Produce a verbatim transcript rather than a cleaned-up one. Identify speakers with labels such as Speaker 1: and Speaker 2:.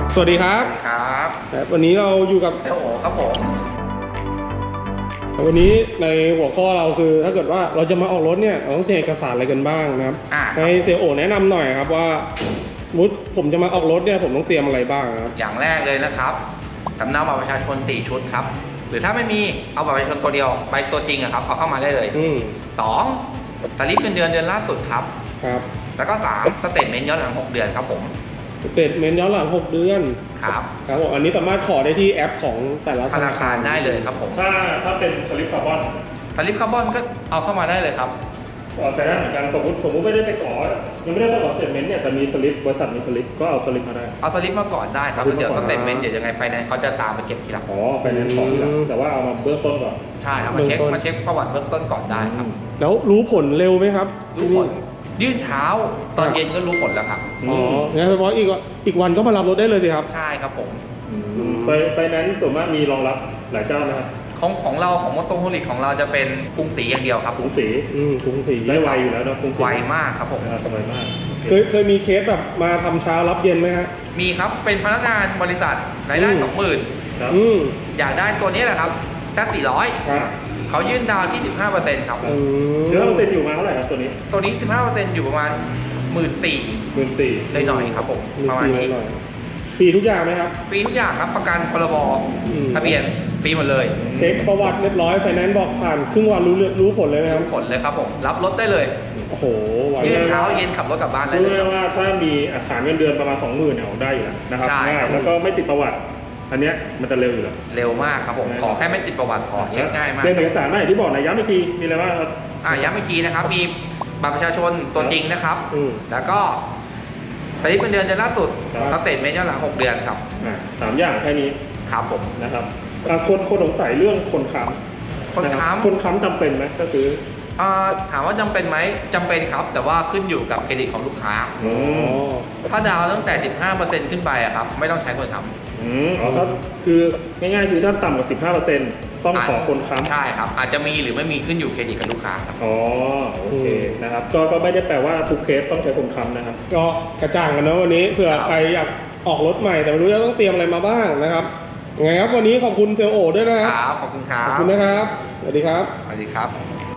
Speaker 1: สวัสดีครับ
Speaker 2: ครับ
Speaker 1: วันนี้เราอยู่กับ
Speaker 2: เซลโอครับผม
Speaker 1: วันนี้ในหัวข้อเราคือถ้าเกิดว่าเราจะมาออกรถเนี่ยเราต้องเตรียมเอกสารอะไรกันบ้างนะครับให้เซลโอแนะนำหน่อยครับว่ามุดผมจะมาออกรถเนี่ยผมต้องเตรียมอะไรบ้างครับ
Speaker 2: อย่างแรกเลยนะครับสำเนาบัตรประชาชนสี่ชุดครับหรือถ้าไม่มีเอาบัตรประชาชนตัวเดียวใบตัวจริงอะครับเอาเข้ามาได้เลยสองสลิปเงินเดือนเดือนล่าสุดครับ
Speaker 1: ครับ
Speaker 2: แล้วก็สามสเตทเมนต์ย้อนหลังหกเดือนครับผม
Speaker 1: สเตทเมนต์ย้อนหลังหกเดือน
Speaker 2: ครับ
Speaker 1: ครับผมอันนี้สามารถขอได้ที่แอปของแต่ละ
Speaker 2: ธนาคารได้เลยครับผม
Speaker 3: ถ้าถ้าเป็นสลิปคาร์บอน
Speaker 2: สลิปคาร์บอนก็เอาเข้ามาได้เลยครับ
Speaker 3: ใช้ได้เหมือนกันสมมติสมมติไม่ได้ไปขอยังไม่ได้ไปขอสเตทเมนต์เนี่ยแต่มีสลิปบริษัทมีสลิปก็เอาสลิปมาได้
Speaker 2: เอาสลิปมาก่อนได้ครับเดี๋ยวสเตทเมนต์เดี๋ยวยังไงไฟแนนซ์เขาจะตามไปเก็บทีหลัง
Speaker 3: อ๋อไฟแนนซ์ของทีหลังแต่ว่าเอามาเบื้องต้นก่อน
Speaker 2: ใช่ครับมาเช็คมาเช็คประวัติเบื้องต้นก่อนได้ครับ
Speaker 1: แล้วรู้ผลเร็วไหมครับ
Speaker 2: รู้ผลยื่นเช้าตอนเย็นก็รู้ผลแล้วครับ
Speaker 1: อ๋องั้นแปลว่าอีกอีกวันก็มารับรถได้เลยสิครับ
Speaker 2: ใช่ครับผม
Speaker 3: ไฟไฟแนนซ์ส่วนมากมีรองรับหลายเจ้านะครับ
Speaker 2: ของของเราของมอเตอร์โฮลิกของเราจะเป็นกรุงศรีอย่างเดียวครับ
Speaker 3: กรุงศรี
Speaker 1: อืมกรุงศรี
Speaker 3: ได้ไวอยู่แล้วนะกรุงศรี
Speaker 2: ไวมากครับผม
Speaker 3: ไวมาก
Speaker 1: เคยเคยมีเคสแบบมาทำเช้ารับเย็นไหมฮะ
Speaker 2: มีครับเป็นพนักงานบริษัทรายได้สองหมื่นอยากได้ตัวนี้แหละครับแค่สี่ร้อยเขายื่นดาวที่สิบห้าเปอร์เซ็นต์ครับ
Speaker 3: เดี๋ยวเราเซ็นอยู่มาเท่าไหร่ครับตัวนี้
Speaker 2: ตัวนี้สิบห้าเปอร์เซ็นต์อยู่ประมาณหมื่นสี่
Speaker 3: หมื่นสี่
Speaker 2: ได้หน่อยครับผมประมาณนี้
Speaker 1: ฟรีทุกอย่างไหมครับ
Speaker 2: ฟรีทุกอย่างครับประกันพรบทะเบียนฟรีหมดเลย
Speaker 1: เช็คประวัติเรียบร้อยไฟแนนซ์บอกผ่านครึ่งวันรู้รู้ผลเลยไหมครับ
Speaker 2: รู้ผลเลยครับผมรับรถได้เลย
Speaker 1: โอ้โห
Speaker 2: ยื่นเช้าเย็นขับรถกลับบ้านได้
Speaker 3: เลยรู้ว่าถ้ามีอัตราเงินเดือนประมาณสองหมื่นเนี่ยออกได้อยู่แล้วนะครับง่ายแล้วก็ไม่ติดประวัติอันนี้มันจะเร็วอยู่แล้ว
Speaker 2: เร็วมากครับผมขอแค่ไม่ติดประวัติพอเช็คง่ายมาก
Speaker 3: เรื่องเอกสารไม่ที่บอกนะย้ำอีกทีมีอะไรบ้างครับ
Speaker 2: อ่าย้ำอีกทีนะครับมีบัตรประชาชนตัวจริงนะครับแล้วก็สลิปเงินเดือนเดือนล่าสุดสเตทเมนต์ย้อนหลังหกเดือนครับ
Speaker 3: สามอย่างแค่นี้
Speaker 2: ครับผม
Speaker 3: นะครับคนคนสงสัยเรื่องคนค้ำ
Speaker 2: คนค้ำ
Speaker 3: คนค้ำจำเป็นไหมก็คือ
Speaker 2: ถามว่าจำเป็นไหมจำเป็นครับแต่ว่าขึ้นอยู่กับเครดิตของลูกค้าถ้าดาวตั้งแต่ สิบห้าเปอร์เซ็นต์ ขึ้นไปอะครับไม่ต้องใช้คนค้ำ
Speaker 3: อืมอ๋อถ้าคือง่ายๆคือถ้าต่ำกว่า สิบห้าเปอร์เซ็นต์ ต้องขอคนค้ำ
Speaker 2: ใช่ครับอาจจะมีหรือไม่มีขึ้นอยู่เครดิตกับลูกค้าครับ
Speaker 3: อ๋อโอเคนะครับก็ก็ไม่ได้แปลว่าทุกเคสต้องใช้คนค้ำนะครับ
Speaker 1: ก็กระจ่างกันนะวันนี้เผื่อใครอยากออกรถใหม่แต่ไม่รู้จะต้องเตรียมอะไรมาบ้างนะครับยังไงครับวันนี้ขอบคุณเซลโอด้วยนะครับ
Speaker 2: ขอบคุณครับ
Speaker 1: ขอบคุณนะครับสวัสดีครับ
Speaker 2: สวัสดีครับ